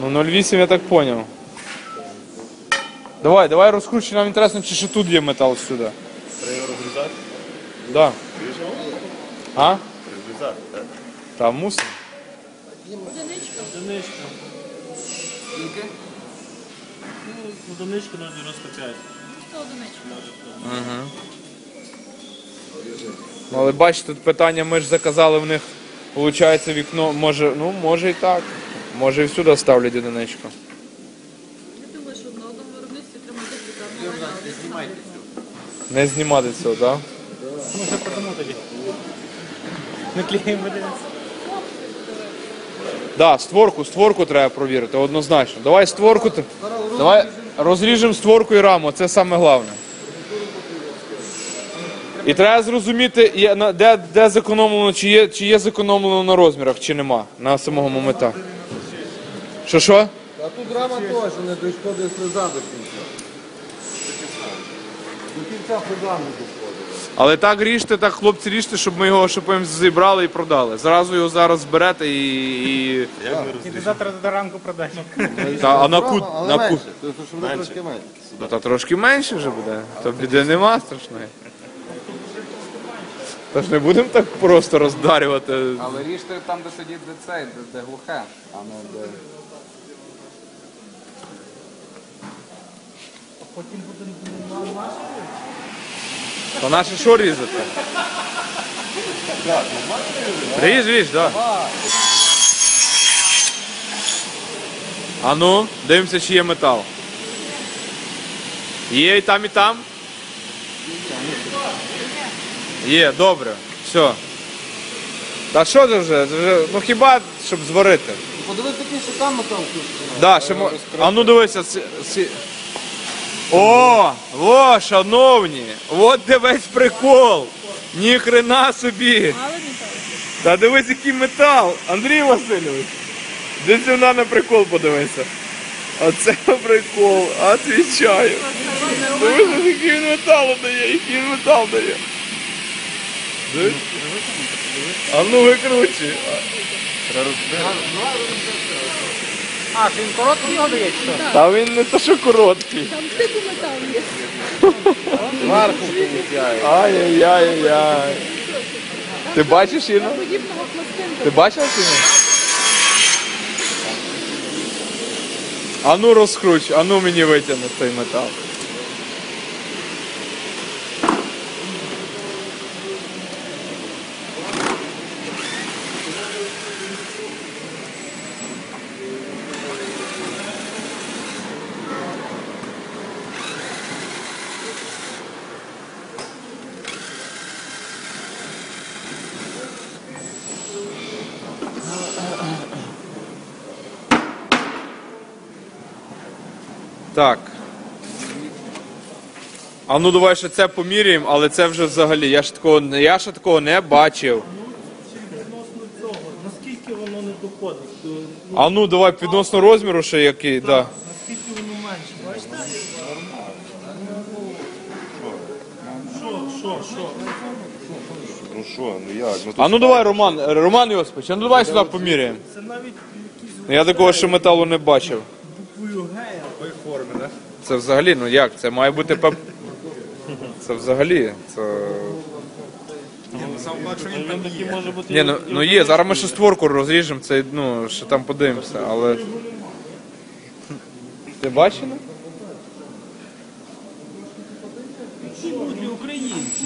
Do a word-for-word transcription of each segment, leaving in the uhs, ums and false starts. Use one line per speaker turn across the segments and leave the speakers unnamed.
Ну нуль вісім я так поняв. Давай, давай розкручуй, нам інтересно, чи ще тут є метал сюди.
Треба його розрізати?
Да. А?
Розрізати, так.
Та мусимо.
Одиничка.
Одиничка.
Скільки?
Ну, одиничка на дев'яносто п'ять.
Це одиничка.
Угу. Але бачите, тут питання, ми ж заказали в них, виходить, вікно, може, ну, може і так. Може і всюди ставлять одиничку.
Я думаю, що на одному виробництві треба декілька.
Не знімайте цього.
Не знімати цього, так?
Ну, що потому тоді. Не клеїмо дивимося.
Да, створку, створку треба провірити, однозначно. Давай створку, т- давай розріжемо створку і раму, це саме головне. І треба зрозуміти, є на- де, де зекономлено, чи є, чи є зекономлено на розмірах, чи нема, на самого момента. Що що?
А тут рама теж не доходить фреза до кінця. До кінця фреза не доходить.
Але так ріжте, так хлопці ріжте, щоб ми його щоб ми зібрали і продали. Зразу його зараз зберете і. і...
Як ми
І
розрізати?
завтра до ранку продаємо.
Та, а на кут.
Але
На
менше,
кут.
тобто, щоб буде трошки менше.
Ну, та трошки менше вже буде. То біди нема страшної. Тож не будемо так просто роздарювати.
Але ріжте там, де сидить де цей, де, де глухе, а не де.
То наше що різати? Ріж, ріж, так. Да. А ну, дивимося, чи є метал. Є і там, і там? Є, добре. Все. Та що це вже? Це вже? Ну хіба, щоб зварити?
Подивись такий, що там метал включений.
Да, ще мо... А ну дивися. Ці... ці- О, о, шановні, от де весь прикол. Ні хрена собі.
Але не так.
Та дивись, який метал. Андрій Васильович. Де сюди на прикол подивися. Оце прикол, отвічаю. Дивись, який він метал дає, який він метал дає. Дивись. А ну викручуй.
А, він короткий його дає, чи що?
Та він не то, що короткий.
Там типу метал є.
Зверху получає.
Ай-яй-яй-яй. Ти бачиш, Інна?
Подібного пластинка.
Ти бачила чи ні? А ну розкруч, а ну мені витягни той метал. Так. А ну давай ще це поміряємо, але це вже взагалі. Я ж такого, я ще такого не бачив.
Відносно цього, наскільки воно не доходить? То, ну,
А ну давай підносно розміру ще який, да.
наскільки воно менше, бачите? Що, що, що?
Ну що, ну як? Ну,
А ну давай, Роман, Роман Йосипович, а ну давай сюди поміряємо.
Це навіть якісь
Я такого ще металу не бачив.
буквою гея.
Це взагалі, ну як? Це має бути пеп... Це взагалі, це...
Він такий може бути...
Ні, ну, ну є, зараз ми ще створку розріжемо, це, ну, ще там подивимося, але... Ти бачив?
Люди українці,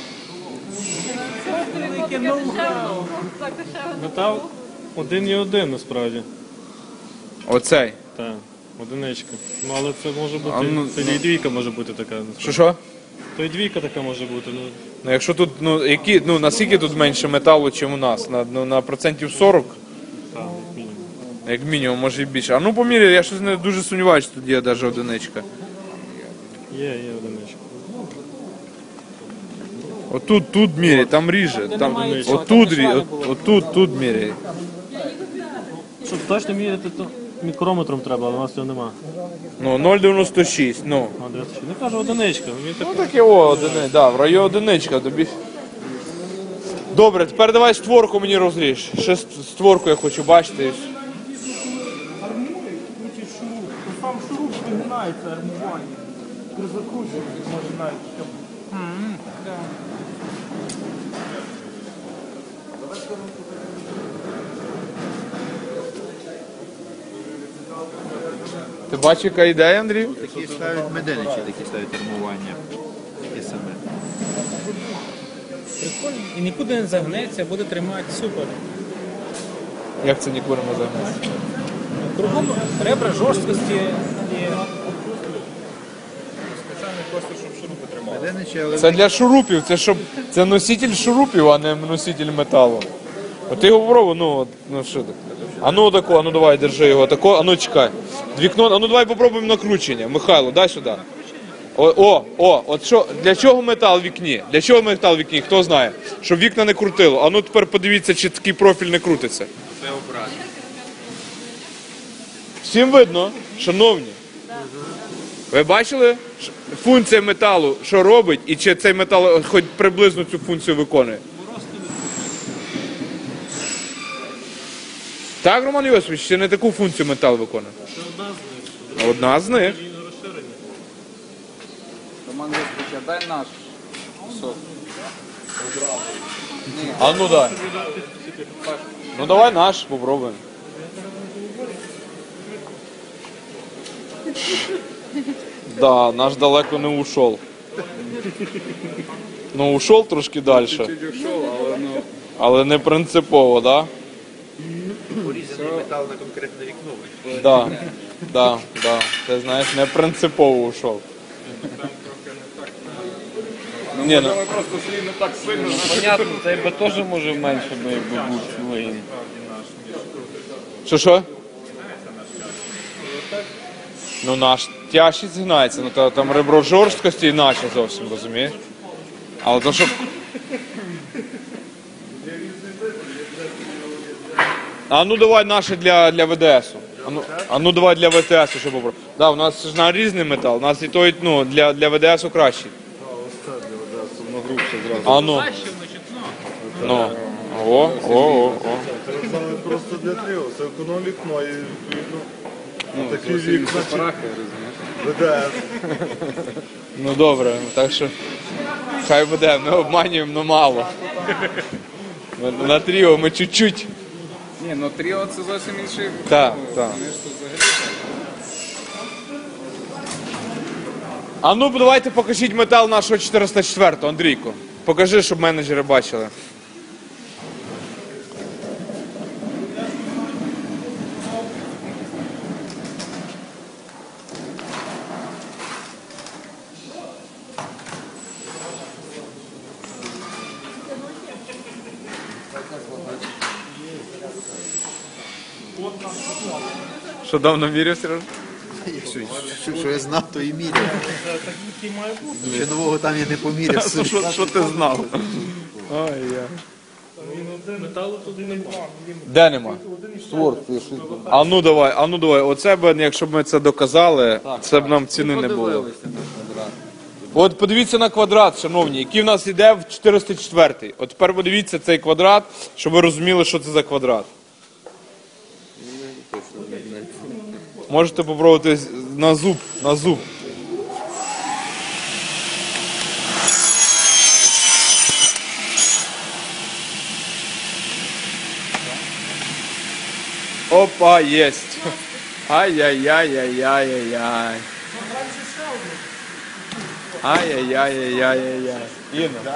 Велике ноу-хау.
метал один і один насправді.
Оцей.
Так, одиничка. Ну але це може бути,
А, ну,
це і двійка може бути така. насправді.
Що що?
То і двійка така може бути. Ну,
Ну якщо тут, ну, які, ну, наскільки тут менше металу, ніж у нас? На, ну, на процентів сорок?
так, мінімум.
Як мінімум, може і більше. А ну поміряй, я щось не дуже сумніваюся, що тут є навіть одиничка.
Є, є одиничка.
Отут, тут міряй, там ріже. Там, отут, рі- от, отут, тут міряй.
Щоб точно міряти, то мікрометром треба, але у нас цього нема.
Ну, нуль дев'яносто шість, ну.
А, дев'яносто шість. Не кажу одиничка. Він так...
Ну таке о, одиниця, да, в районі одиничка тобі. Добре, тепер давай створку мені розріж. Ще ст- створку я хочу бачити.
сам шуруп вигинається, армування. При закручуванні може навіть щоб.
Ти бачиш, яка ідея, Андрій?
Такі ставлять меденичі, такі ставлять армування. Такі саме.
Прикольно. І нікуди не загнеться, буде тримати супер.
Як це ніколи не займається?
Кругом ребра жорсткості і
Меденичі, але
Це для шурупів, це щоб це носитель шурупів, а не носитель металу. От ти його попробуй, ну, от, ну що так. А ну тако, а ну давай, держи його тако, а ну чекай. Вікно, а ну давай попробуємо накручення. Михайло, дай сюди. О, о, о, от що, для чого метал в вікні? Для чого метал в вікні? Хто знає? Щоб вікна не крутило. А ну тепер подивіться, чи такий профіль не крутиться.
це образ.
Всім видно, шановні. Ви бачили ш- функція металу, що робить, і чи цей метал хоч приблизно цю функцію виконує? Так, Роман Йосифович, чи не таку функцію метал виконує?
Це одна з них.
Одна з них.
Він розширений.
Роман Вискович, а дай наш кусок.
А ну дай. Ну давай наш попробуємо. Да, наш далеко не ушов. Ну, ушов трошки далі.
Чуть ушов, але ну...
Але не принципово, да?
Порізаний метал на конкретне вікно.
Да, да, да. Ти знаєш, не принципово ушов. Ні, ну,
просто слід не так сильно.
Понятно, цей би теж може менше би якби був свої.
що що? Ну наш тяжче згинається, ну та, там ребро жорсткості іначе зовсім, розумієш? Але то що... А ну давай наше для, для ВДСу. А ну, а ну давай для ВТСу, щоб попробувати. Да, у нас ж на різний метал, у нас і той, ну, для, для ВДСу кращий. А ну. Ну. О, о, о, о.
Це саме просто для тріо, це економ вікно і відповідно. Такі вікна ВДС.
Ну добре, так що хай буде, ми обманюємо, але мало. Ми на тріо ми чуть-чуть.
Ні, ну тріо це зовсім інший.
Так,
ну,
так.
Вони ж тут взагалі.
А ну давайте покажіть метал нашого чотириста четвертого, Андрійко. Покажи, щоб менеджери бачили. Що давно міряв, Сережа?
Що, що, що я знав, то і міряв. Ще нового там я не поміряв.
Що, що, що ти знав? Ой, я.
металу тут немає.
Де нема? А ну давай, а ну давай. Оце б, якщо б ми це доказали, це б нам ціни не було. От подивіться на квадрат, шановні, який в нас йде в чотириста четвертий. От тепер подивіться цей квадрат, щоб ви розуміли, що це за квадрат. Можете попробувати на зуб, на зуб. Опа, єсть. Ай-яй-яй-яй-яй-яй-яй. Ай-яй-яй-яй-яй-яй. Інна.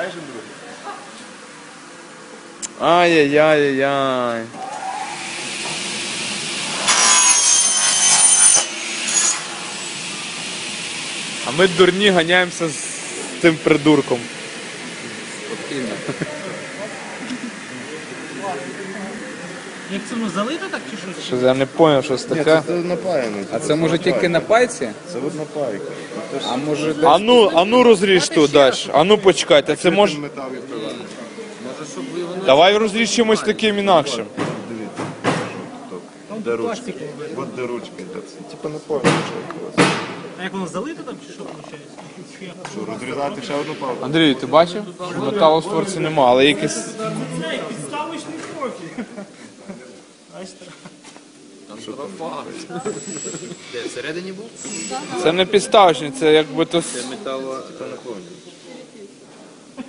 Ай-яй-яй-яй. А ми дурні ганяємося з тим придурком.
Як це воно залито так чи що?
Що я не зрозумів, що це таке.
Це напаяно.
А це може тільки на пайці?
Це от напайка.
А може
А ну, а ну розріж тут далі. А ну почекайте, це може...
Метал відкриває.
Давай розріж чимось таким інакшим.
Дивіться. Де ручки? От де ручки. Типа напаяно.
А як воно залито там чи що виходить?
Що, розрізати ще одну палку?
Андрій, ти бачив? Що металу в створці нема, але якийсь...
Це підставочний профіль.
що там.
Де, всередині був?
Це не підставочник, це якби то.
Це метало, то наповнює.